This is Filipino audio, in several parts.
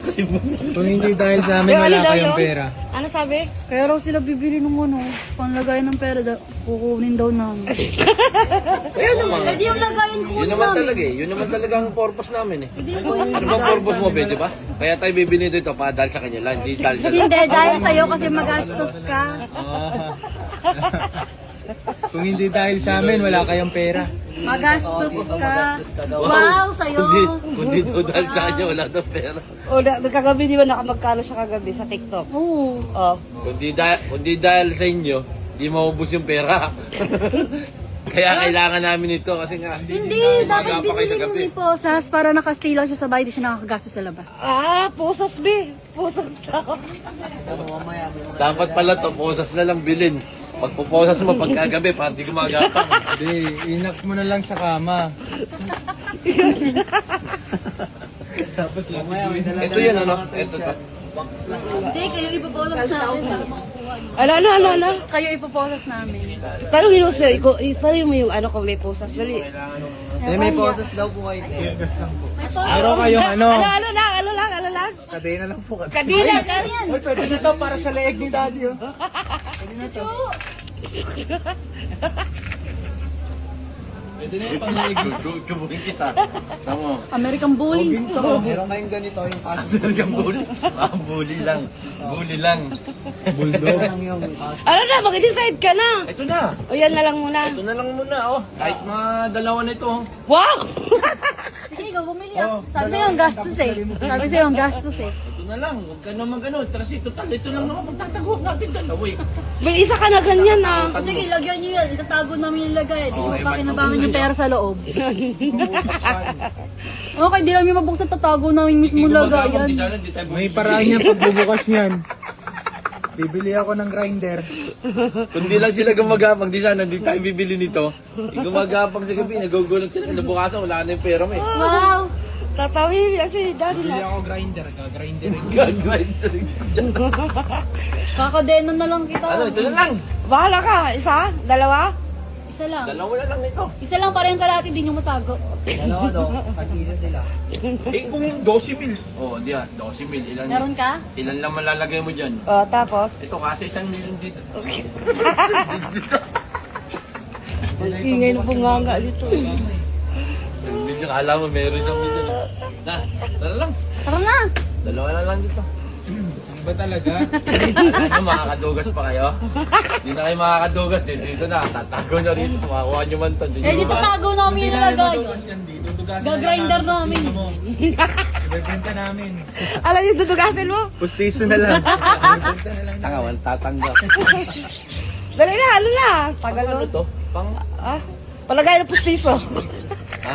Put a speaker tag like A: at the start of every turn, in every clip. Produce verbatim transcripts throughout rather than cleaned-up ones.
A: Kung hindi dahil sa amin,
B: Yung
A: wala
B: ano daw,
A: kayong
B: no?
A: pera.
B: Ano sabi?
C: Kaya raw sila bibili ng ano, panglagay ng pera, da- kukunin daw namin.
D: Kaya naman.
C: Pwede yung lagayin
D: Yun
C: kukunin
D: naman
C: namin.
D: talaga eh. Yun naman talaga ang purpose namin eh.
C: Hindi po yun.
D: Ano bang purpose mo, Ben, di ba? Kaya tayo bibili dito para dahil sa kanya lang, hindi dahil sa
C: Hindi, dahil sa'yo kasi magastos ka.
A: Ah. Kung hindi dahil sa amin, wala kayong pera.
C: Magastos ka. Wow, sa'yo.
D: Kundi, kundi daw dahil sa kanya, wala daw pera.
B: O, na, kagabi di ba nakamagkano siya kagabi sa TikTok?
C: Oo.
B: Oh.
D: Kundi, dahil, kundi dahil sa inyo, hindi maubos yung pera. Kaya kailangan namin ito kasi nga,
C: Hindi,
D: umaga
C: dapat
D: pa kayo sa
C: binili mo
D: gabi.
C: ni Posas para nakastay lang siya sa bahay, di siya nakakagastos sa labas.
B: Ah, pusas be. Pusas daw.
D: Dapat pala to, posas na lang bilhin. Pagpuposas mo pagkagabi, para di gumagapang.
A: Hindi, inak mo na lang sa kama. Tapos lang.
D: Ito yun ano? Ito to.
C: Hindi, kayo ipoposas namin.
B: Ano, ano, ano, ano?
C: Kayo ipoposas namin.
B: Tanongin mo siya, iko- tanongin mo yung ano kung may pusas. Dali.
E: Eh, may posas daw po kayo. Eh.
A: Meron kayong ano,
B: Ano, ano lang, ano lang, ano lang?
A: kadena lang po.
B: Kadina, ganyan.
A: Uy, pwede na to para sa leeg ni daddy, oh. Pwede na yung pang-leeg.
D: Kubuhin kita. Tama.
C: American bully.
E: Meron kayong ganito yung kaso.
D: Talagang bully. Ah, bully lang. Bully lang.
A: Bulldog.
E: Lang yung kaso.
B: Ano na, mag-decide ka na.
D: Ito na.
B: O yan na lang muna.
D: Ito na lang muna, oh. Kahit mga dalawa na ito, oh.
B: Wow!
C: Sige, ikaw bumili ah. Sabi sa'yo ang gastos eh. Sabi sa'yo ang gastos eh.
D: Ito na lang. Huwag ka naman ganun. Kasi total, ito lang naman magtatago natin dalawa, eh.
B: May isa ka na ganyan ah.
C: Sige, lagyan nyo yan. Itatago namin yung lagay. Di mo pakinabangan yung pera sa loob. Okay, di namin mabuksan, tatago namin mismo lagayan.
D: Di sana, di tayo
A: May paraan niya pagbubukas niyan. Bibili ako ng grinder.
D: Kundi lang sila gumagapang, di sana, di tayo bibili nito. Yung gumagapang sa gabi, nagugulat sila. Kinabukasan, wala na yung pera mo, eh.
C: Wow!
B: Tatawin kasi daddy
A: Bibili
B: na.
A: ako grinder, ka-grinder.
D: Gagawin
C: Kakadena na lang kita.
D: Ano, ito na lang.
B: Bahala ka. Isa? Dalawa?
C: Isa lang.
D: Dalawa na lang ito.
C: Isa lang para yung kalahati, di nyo matago.
E: Dalawa daw, tag-isa sila.
D: Eh, kung twelve mil. Oh, di ah, twelve mil. Ilan,
C: Meron ka?
D: ilan lang malalagay mo dyan?
B: O, tapos?
D: Ito kasi isang million dito.
B: Ingay na bunganga dito.
D: Isang million, alam mo, meron isang million. Na, tara lang.
C: Tara na!
D: Dalawa na lang dito.
A: Ano ba talaga?
D: Alam nyo, makakadugas pa kayo? Hindi na kayo makakadugas. Dito, dito na, tatago na rito. Makakuha nyo man to.
C: Eh, dito tago namin yung nilagay.
A: yan dito. Dugasan
C: Gagrinder namin.
A: Ibebenta namin.
B: Alam yung dudugasin mo?
A: Pustiso na lang.
D: Tanga, wala tatanggap.
B: Dali na, ano na? Tagal
D: Ano
B: mo.
D: to? Pang,
B: Ah, palagay ng pustiso.
D: ha?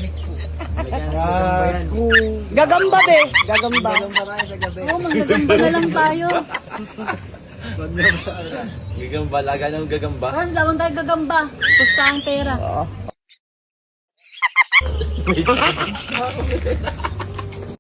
A: Ah,
B: Gagamba be. Gagamba.
E: Meron pa tayo sa gabi.
C: Oo, manggagamba na lang tayo.
D: Gagamba, laga ng gagamba.
C: Tapos lawan tayo gagamba. Pustahan pera.